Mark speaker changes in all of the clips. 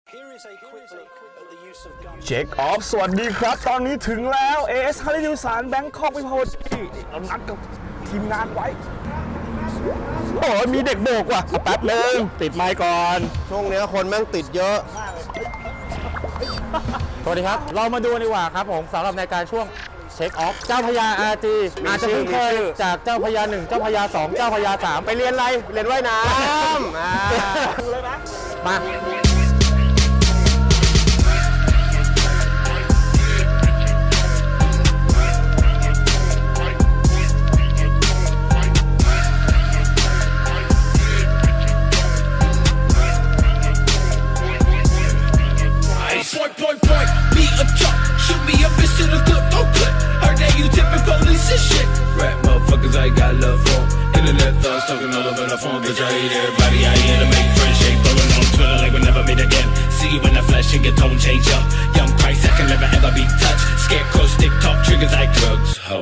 Speaker 1: เช็คออฟสวัสดีครับตอนนี้ถึงแล้ว AS ฮาริดิวสารแบงคอกวิภาวดีเรานัดกับทีมงานไว้โอ้ยมีเด็กโบกว่ะแป๊บนึงติดไมค์ก่อน
Speaker 2: ช่วงนี้คนแม่งติดเยอะ
Speaker 3: สวัสดีครับเรามาดูดีกว่าครับผมสำหรับในการช่วงเช็คออฟเจ้าพญา RG อาจจะเพิ่งเคยจากเจ้าพญา1เจ้าพญา2เจ้าพญา3
Speaker 2: ไปเรียนอะไรเรียนว่ายน้ำ
Speaker 3: มา
Speaker 4: Me up top, shoot me up into the clip, no clip. Heard that you tipping police and shit. Rap motherfuckers, I got love for. Internet thugs talking all over the phone, bitch. I hate everybody. I here to make friends, shake, throwing on Twitter like we never meet again. See you in the flesh and your tone change up. Young Christ, I can never ever be touched. Scarecrow, stick talk, triggers like drugs. Ho.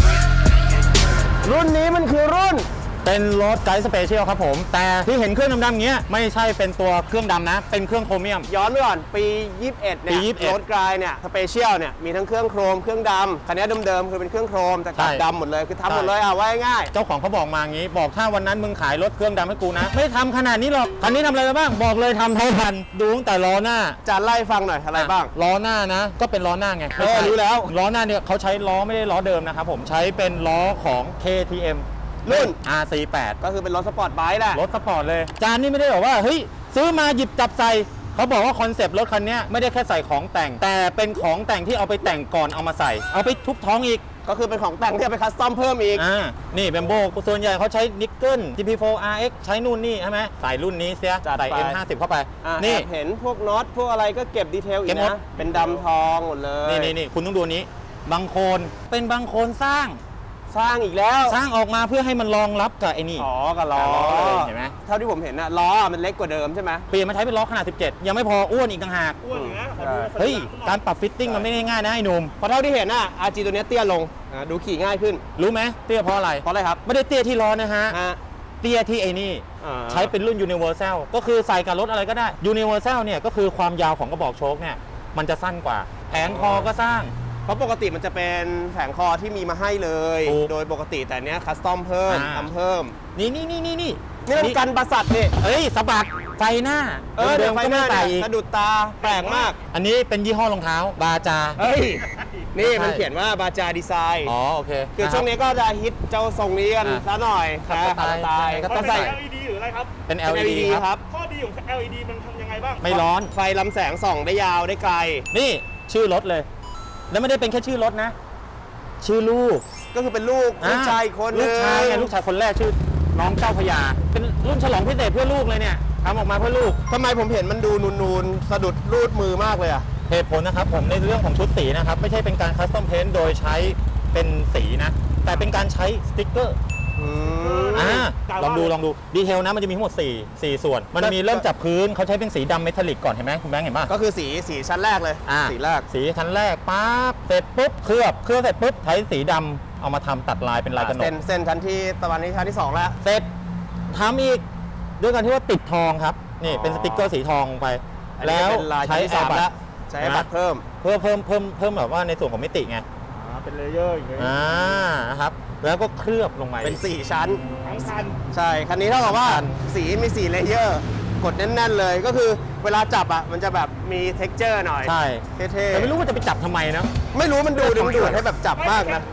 Speaker 2: รุ่นนี้มันคือรุ่น
Speaker 3: เป็นรถไกด์สเปเชียลครับผมแต่ที่เห็นเครื่องดำๆอย่างเงี้ยไม่ใช่เป็นตัวเครื่องดำนะเป็นเครื่องโครเมียม
Speaker 2: ย้อนไปก่อนปี 21 เนี่ยรถกลายเนี่ยสเปเชียลเนี่ยมีทั้งเครื่องโครมเครื่องดำคันนี้เดิมๆคือเป็นเครื่องโครมแต่กลับดำหมดเลยคือทำหมดเลยว่าง่าย
Speaker 3: เจ้าของเขาบอกมางี้บอกถ้าวันนั้นมึงขายรถเครื่องดำให้กูนะไม่ทำขนาดนี้หรอกคันนี้ทำอะไรบ้างบอกเลยทำเท่าทันดูตั้งแต่ล้อหน้า
Speaker 2: จะไล่ฟังหน่อยอะไรบ้าง
Speaker 3: ล้อหน้านะก็เป็นล้อหน้าไง
Speaker 2: รู้แล้ว
Speaker 3: ล้อหน้าเนี่ยเขาใช้ล้อไม่ได้ล้อเดิมนะครับผมใช้เป็นล้อของ KTM
Speaker 2: รุ่น
Speaker 3: RC8
Speaker 2: ก็คือเป็นรถสปอร์ตไบค์แหละ
Speaker 3: รถสปอร์ตเลยจานนี่ไม่ได้บอกว่าเฮ้ยซื้อมาหยิบจับใส่เขาบอกว่าคอนเซปต์รถคันนี้ไม่ได้แค่ใส่ของแต่งแต่เป็นของแต่งที่เอาไปแต่งก่อนเอามาใส่เอาไปทุบท้องอีก
Speaker 2: ก็คือเป็นของแต่งที่เอาไปคัสตอมเพิ่มอีก
Speaker 3: นี่แบมโบส่วนใหญ่เขาใช้นิกเกิล GP4 RX ใช้นู่นนี่ใช่ไหมใส่รุ่นนี้เสียใส่ M50 เข้าไป
Speaker 2: นี่เห็นพวกน็อตพวกอะไรก็เก็บดีเทลอีกนะเป็นดำทองหมดเลย
Speaker 3: นี่คุณต้องดูนี้บางโคนเป็นบางโคนสร้าง
Speaker 2: อีกแล้ว
Speaker 3: สร้างออกมาเพื่อให้มันรองรับกับไอ้นี่
Speaker 2: กับล้อ
Speaker 3: เห็นไหม
Speaker 2: เท่าที่ผมเห็นน่ะล้อมันเล็กกว่าเดิมใช่ไหม
Speaker 3: เปลี่ยนมาใช้เป็นล้อขนาด17ยังไม่พออ้วนอีกต่างหาก
Speaker 5: อ้วนนะ
Speaker 3: เฮ้ยการปรับฟิตติ้งมันไม่ง่ายนะไอ้หนุ่ม
Speaker 2: เพราะเท่าที่เห็นน่ะ RG ตัวนี้เตี้ยลงดูขี่ง่ายขึ้น
Speaker 3: รู้ไหมเตี้ยเพราะอะไร
Speaker 2: ครับ
Speaker 3: ไม่ได้เตี้ยที่ล้อนะฮะเตี้ยที่ไอ้นี่ใช้เป็นรุ่น Universal ก็คือใส่กับรถอะไรก็ได้ Universal เนี่ยก็คือความยาวของกระบอกโชคเนี่ยมันจะสั้นกว่าแผงคอก็สร้าง
Speaker 2: เพราะปกติมันจะเป็นแผงคอที่มีมาให้เลยโดยปกติแต่เนี้ยคัสตอมเพิ่มทำเพิ่ม
Speaker 3: นี่
Speaker 2: มันกันประสัตนี่
Speaker 3: สะบัดไฟหน้า
Speaker 2: เดี๋ยวไฟหน้าสะดุดตาแปลกมาก
Speaker 3: อันนี้เป็นยี่ห้อรองเท้าบาจา
Speaker 2: นี่มันเขียนว่าบาจาดีไซน์
Speaker 3: โอเค
Speaker 2: คือช่วงนี้ก็จะฮิตเจ้าทรงนี้กันซะหน่อย
Speaker 3: ขับสไตล์
Speaker 5: ก็ต้องใส่ LED หรืออะไรครับ
Speaker 3: เป็น LED
Speaker 2: ครับ
Speaker 5: ข้อดีของ LED มันทำยังไงบ้าง
Speaker 3: ไม่ร้อน
Speaker 2: ไฟลำแสงส่องได้ยาวได้ไกล
Speaker 3: นี่ชื่อรถเลยแล้วไม่ได้เป็นแค่ชื่อรถนะชื่อลูก
Speaker 2: ก็คือเป็นลูกชายคน
Speaker 3: ลูกชายคนแรกชื่อน้องเจ้าพญาเป็นรุ่นฉลองพิเศษเพื่อลูกเลยเนี่ยทำออกมาเพื่อลูก
Speaker 2: ทำไมผมเห็นมันดูนูนๆสะดุดรูดมือมากเลยอะ
Speaker 3: เหตุผลนะครับผมในเรื่องของชุดสีนะครับไม่ใช่เป็นการคัสตอมเพนท์โดยใช้เป็นสีนะแต่เป็นการใช้สติ๊กเกอร์ลองดูดีเทลนะมันจะมีทั้งหมด4ส่วนมันมีเริ่มจากพื้นเขาใช้เป็นสีดำเมทัลลิกก่อนเห็นไหมคุณแบงค์เห็นป่ะ
Speaker 2: ก็คือสีชั้นแรกเลยสีแรก
Speaker 3: สีชั้นแรกปั๊บเสร็จปุ๊บเคลือบเสร็จปุ๊บใช้สีดำเอามาทำตัดลายเป็นลายกระหนก
Speaker 2: เส้นชั้นที่ตะวันนี้ชั้นที่2แล้ว
Speaker 3: เสร็จทำอีกด้วยกันที่ว่าติดทองครับนี่เป็นสติ๊กเกอร์สีทองไปแล้วใช้แอร์บัต
Speaker 2: ใช้แอร์บัตเพิ่
Speaker 3: มแบบว่าในส่วนของมิติไง
Speaker 5: เป็นเลเยอร์อย่างเงี้ย
Speaker 3: นะครับแล้วก็เคลือบลงไป
Speaker 2: เป็น4ชั้น
Speaker 5: ทั้งคัน
Speaker 2: ใช่คันนี้เท่ากับว่าสีมี4เลเยอร์กดแน่นๆเลยก็คือเวลาจับอ่ะมันจะแบบมี texture หน่อย
Speaker 3: ใช่
Speaker 2: เท่ๆ
Speaker 3: แต่ไม่รู้ว่าจะไปจับทำไมนะ
Speaker 2: ไม่รู้มันดูดึงดูดให้แบบจับมากนะ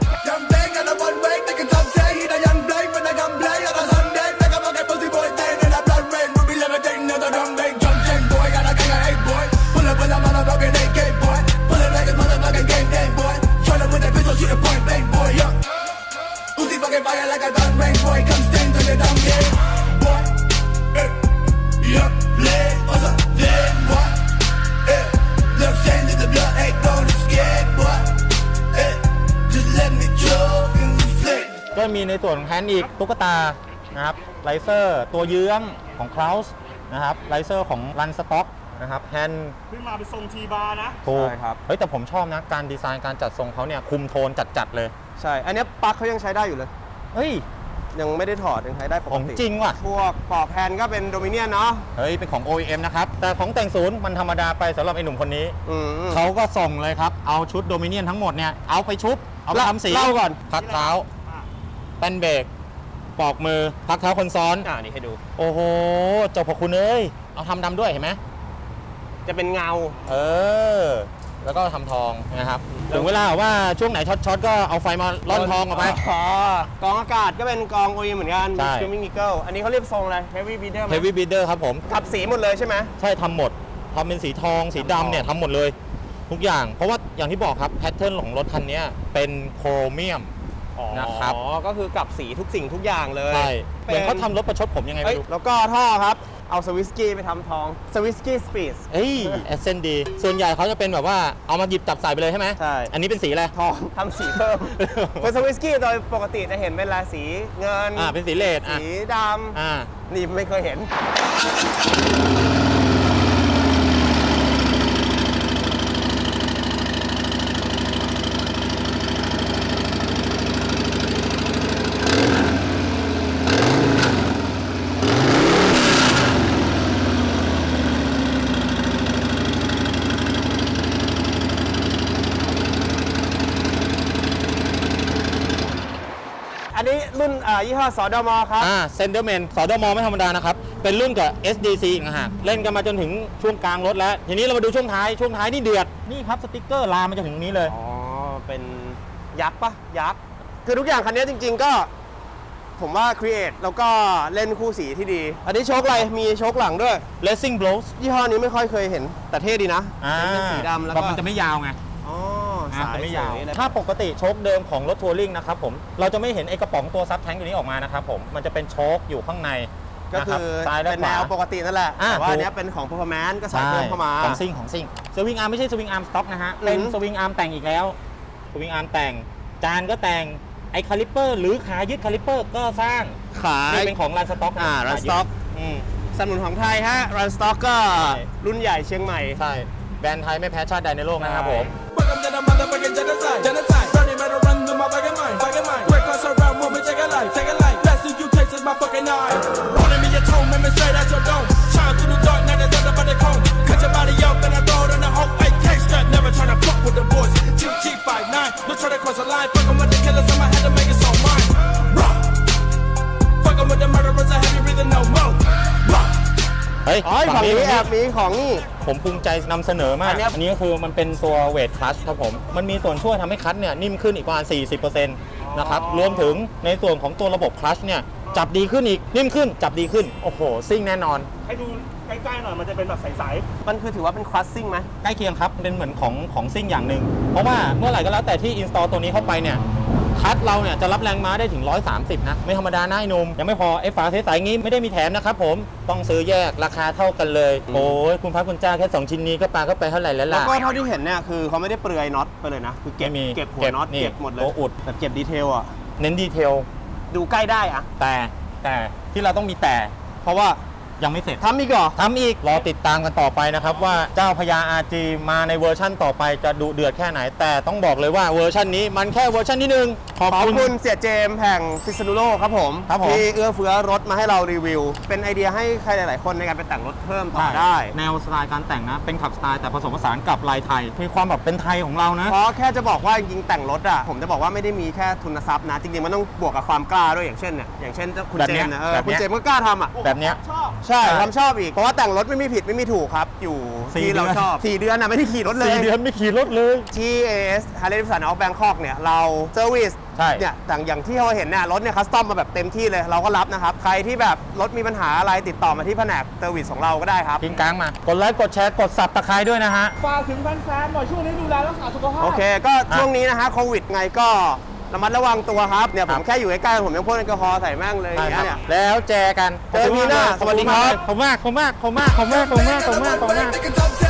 Speaker 3: ก็มีในส่วนของแฮนด์อีกตุ๊กตานะครับไลเซอร์ตัวเยื้องของคลาวส์นะครับไลเซอร์ของรันสต็อกนะครับแฮนด์
Speaker 5: ขึ้นมาเป็นทรงทีบาร์นะ
Speaker 3: ถูกครับเฮ้ยแต่ผมชอบนะการดีไซน์การจัดทรงเขาเนี่ยคุมโทนจัดเลย
Speaker 2: ใช่อันนี้ปลั๊กเขายังใช้ได้อยู่เลย
Speaker 3: เฮ้ย
Speaker 2: ยังไม่ได้ถอดยังใช้ได้ป
Speaker 3: ข
Speaker 2: ก
Speaker 3: อง
Speaker 2: ติ
Speaker 3: จริงว่ะ
Speaker 2: พวกปลอกแผ่นก็เป็นโดมิเนียนเนาะ
Speaker 3: เฮ้ย เป็นของ OEM นะครับ แต่ของแต่งศูนย์มันธรรมดาไปสำหรับไอ้หนุ่มคนนี้
Speaker 2: อืม
Speaker 3: เขาก็ส่งเลยครับ เอาชุดโดมิเนียนทั้งหมดเนี่ย เอาไปชุบ เอาไปทำสี
Speaker 2: เล่าก่อน
Speaker 3: พักเท้าแป้นเบรกปอกมือ พักเท้าคนซ้อน
Speaker 2: นี่ให้ดู
Speaker 3: โอ้โหเจ้าพระคุณเอ้ย เอาทำดำด้วยเห็นไหม
Speaker 2: จะเป็นเงา
Speaker 3: เออ แล้วก็ทำทองนะครับ ถึงเวลาว่าช่วงไหนช็อตก็เอาไฟมาล่อนทองออกไป
Speaker 2: อ๋อกองอากาศก็เป็นกองโอเหมือนกัน
Speaker 3: ใช่
Speaker 2: Screaming Eagle อันนี้เขาเรียกทรงอะไร Heavy Beater ไหม
Speaker 3: Heavy Beater ครับผม
Speaker 2: กับสีหมดเลยใช่ไหม
Speaker 3: ใช่ทำหมดทำเป็นสีทองสีดำเนี่ยทำหมดเลย ทุกอย่าง เพราะว่าอย่างที่บอกครับแพทเทิร์นของรถคันนี้เป็นโครเมียม นะครับ
Speaker 2: อ๋อ ก็คือกับสีทุกสิ่งทุกอย่างเลย
Speaker 3: ใช่เหมือนเขาทำรถประชดผมยังไง
Speaker 2: เอ้
Speaker 3: ไม่
Speaker 2: ย
Speaker 3: รู้
Speaker 2: แล้วก็ท่อครับ เอาสวิสกี้ไปทำทอง สวิสกี้สปีด
Speaker 3: เอ้ยเอเซนดีส่วนใหญ่เขาจะเป็นแบบว่าเอามาหยิบจับใส่ไปเลยใช่ไหม
Speaker 2: ใช่
Speaker 3: อันนี้เป็นสีอะไร
Speaker 2: ทองทำสีเพิ่ม เป็นสวิสกี้โดยปกติจะเห็นเป็นลายสีเงิน
Speaker 3: เป็นสีเลดอ่ะ
Speaker 2: สีด
Speaker 3: อ่า
Speaker 2: ำ นี่ไม่เคยเห็น อันนี้รุ่นยี่ห้อสอดมครับ
Speaker 3: เซนเดอร์แมนสอดมไม่ธรรมดานะครับ เป็นรุ่นกับ SDC อีกนะฮะเล่นกันมาจนถึงช่วงกลางรถแล้ว ทีนี้เรามาดูช่วงท้ายนี่เดือด นี่ครับสติ๊กเกอร์ลามมาจนถึงนี้เลย
Speaker 2: อ๋อ เป็นยักษ์ปะยักษ์ คือทุกอย่างคันนี้จริงๆก็ ผมว่าครีเอทแล้วก็เล่นคู่สีที่ดี อันนี้โชคอะไร มีโชคหลังด้วย
Speaker 3: Racing Blows
Speaker 2: ยี่ห้อนี้ไม่ค่อยเคยเห็น แต่เท่ดีนะ เป็นสีดำแล้ว
Speaker 3: แบบ
Speaker 2: ก็
Speaker 3: มันจะไม่ยาวไง
Speaker 2: อ๋อ
Speaker 3: สา
Speaker 2: สาย ย
Speaker 3: ไม่ยาว
Speaker 2: สเลย
Speaker 3: ถ้าปกติโชคเดิมของรถทัวริงนะครับผม เราจะไม่เห็นไอ้กระป๋องตัวซับแทงค์ตัวนี้ออกมานะครับผม มันจะเป็นโชคอยู่ข้างใน
Speaker 2: ก็
Speaker 3: นะ
Speaker 2: คื
Speaker 3: รับ
Speaker 2: อ
Speaker 3: ซ้ายและ
Speaker 2: เป็น
Speaker 3: ข
Speaker 2: แน
Speaker 3: วา
Speaker 2: วปกตินั่นแหละ
Speaker 3: อ่า
Speaker 2: แต่ว่า
Speaker 3: ถูก
Speaker 2: อันเนี้ยเป็นของ performance ก็ใส่เพิ่มเข้ามา
Speaker 3: ของซิ่งสวิงอาร์มไม่ใช่สวิงอาร์มสต็อกนะฮะ เป็น
Speaker 2: อือหือ
Speaker 3: สวิงอาร์มแต่งอีกแล้วสวิงอาร์มแต่ง จานก็แต่ง ไอ้คาลิปเปอร์หรือขายึดคาลิปเปอร์ก็สร้าง
Speaker 2: ขาย
Speaker 3: นี่เป็นของรันสต็อก
Speaker 2: รันสต็อก
Speaker 3: อืม
Speaker 2: สนับสนุนของไทยฮะรันสต็อกก็
Speaker 3: ใช่
Speaker 2: รุ่นใหญ่เชียงใหม่
Speaker 3: ใช่ แบรนด์ไทยไม่แพ้ชาติใดในโลกนะครับผม
Speaker 4: Welcome to the motherfucking genocide. Genocide. Burning matter run through my fucking mind. Fucking mind. Quick class around, move me, take a life. Take a life. Best of you takes is my fucking eye. Rolling me your tone, man, me straight out your dome. Shine through the dark, now there's nothing but the cone. Cut your body up and I throw it in the hole. AK strap, never tryna fuck with the boys. GG59, no try to cross the line. Fucking with the killers, I'ma have to make it so mine. Raw. Fucking with the murderers, I have you breathing no more. Raw.
Speaker 3: เฮ้ย
Speaker 2: อ๋อของนี้แอบมีของนี่
Speaker 3: ผมภูมิใจนำเสนอมาก
Speaker 2: อันเนี้ย
Speaker 3: อันนี้ก็คือมันเป็นตัวเวทคลัชครับผม มันมีส่วนช่วยทำให้คลัชเนี่ยนิ่มขึ้นอีกประมาณ 40%นะครับ รวมถึงในส่วนของตัวระบบคลัชเนี่ยจับดีขึ้นอีก นิ่มขึ้น จับดีขึ้น โอ้โห ซิ่งแน่นอน
Speaker 5: ให้ดูใกล้ๆหน่อยมันจะเป็นแบบใส
Speaker 2: มันคือถือว่าเป็นคลาสซิ่งไหม
Speaker 3: ใกล้เคียงครับ เป็นเหมือนของซิ่งอย่างหนึ่ง เพราะว่าเมื่อไหร่ก็แล้วแต่ที่อินสตอลตัวนี้เข้าไปเนี่ย คัทเราเนี่ยจะรับแรงม้าได้ถึง 130 นะ ไม่ธรรมดานะไอ้หนุ่มยังไม่พอ ไอ้ฝาใสๆงี้ไม่ได้มีแถมนะครับผม ต้องซื้อแยกราคาเท่ากันเลย โอ้ยคุณพระคุณเจ้าแค่ 2 ชิ้นนี้ก็ปาเข้าไปเท่าไหร่แล้ว
Speaker 2: แล้ว
Speaker 3: ล่ะ
Speaker 2: ก็เท่าที่เห็นเนี่ยคือเขาไม่ได้เปลือยน็อตไปเลยนะ คือเก็บ
Speaker 3: ไม่มี
Speaker 2: เก็บหัวน็อต
Speaker 3: นี่
Speaker 2: เก็บหมดเลย
Speaker 3: โอ้อุด
Speaker 2: แบบเก็บดีเทลอ่ะ
Speaker 3: เน้นดีเทล
Speaker 2: ดูใกล้ได้อะ
Speaker 3: แต่ที่เราต้องมีแต่
Speaker 2: เพราะว่า
Speaker 3: ยังไม่เสร็จ
Speaker 2: ทำอีกเหรอ
Speaker 3: ทำอีก รอติดตามกันต่อไปนะครับว่าเจ้าพญา RG มาในเวอร์ชั่นต่อไปจะดุเดือดแค่ไหน แต่ต้องบอกเลยว่าเวอร์ชันนี้มันแค่เวอร์ชันที่หนึ่งขอบ
Speaker 2: ขอบ
Speaker 3: คุณ
Speaker 2: คุณเสียเจมส์แห่งพิษณุโลกครับผม
Speaker 3: ครับผม
Speaker 2: ที่เอื้อเฟื้อรถมาให้เรารีวิว เป็นไอเดียให้ใครหลาย ๆ คนในการไปแต่งรถเพิ่มต่อได้
Speaker 3: แนวสไตล์การแต่งนะ เป็นขับสไตล์แต่ผสมผสานกับลายไทย มีความแบบเป็นไทยของเรานะ
Speaker 2: เพราะแค่จะบอกว่าจริงๆแต่งรถอ่ะผมจะบอกว่าไม่ได้มีแค่ทุนทรัพย์นะ จริง ๆ มันต้องบวกกับความกล้าด้วยอย่างเช่นเนี่ยอย่างเช่นคุณ
Speaker 3: แบบ
Speaker 2: เจ
Speaker 3: เนี้ย
Speaker 2: มส์นะ
Speaker 3: แบบเนี้ย
Speaker 2: คุณเจมส์ก็กล้าทำอ่ะ
Speaker 3: แบบเนี้ย
Speaker 2: ใช่ทำชอบอีก เพราะว่าแต่งรถไม่มีผิดไม่มีถูกครับ อยู่
Speaker 3: 4
Speaker 2: ที่เรา
Speaker 3: เดือน
Speaker 2: ชอบ 4 เดือนนะไม่ได้ขี่รถเลย
Speaker 3: 4 เดือนไม่ขี่รถเลย
Speaker 2: ที่ AS Harley Davidson of Bangkok เนี่ยเราเซอร์วิส
Speaker 3: ใช่
Speaker 2: เนี่ยอย่างที่เราเห็นเนี่ยรถเนี่ยคัสตอมมาแบบเต็มที่เลยเราก็รับนะครับ ใครที่แบบรถมีปัญหาอะไรติดต่อมาที่แผนกเซอร์วิสของเราก็ได้ครับ
Speaker 3: กินกลางมา กดไลค์กดแชร์กดสับตะไคร้ด้วยนะฮะ
Speaker 5: ๆฝากถึงแฟนๆหน่อยช่วงนี้ดูแลรักษาสุขภาพ
Speaker 2: โอเคก็ช่วงนี้นะฮะโควิดไงก็ระมัดระวังตัวครับเนี่ยผมแค่อยู่ใกล้ๆผมยังพ่นแอลกอฮอล์ใส่แม่งเลยอย่างเงี้ยเนี่ย
Speaker 3: แล้วแจกัน
Speaker 2: เจอกันปีหน้าสวัสดีครับ
Speaker 3: ขอบคุณมาก
Speaker 4: Nigga top 10.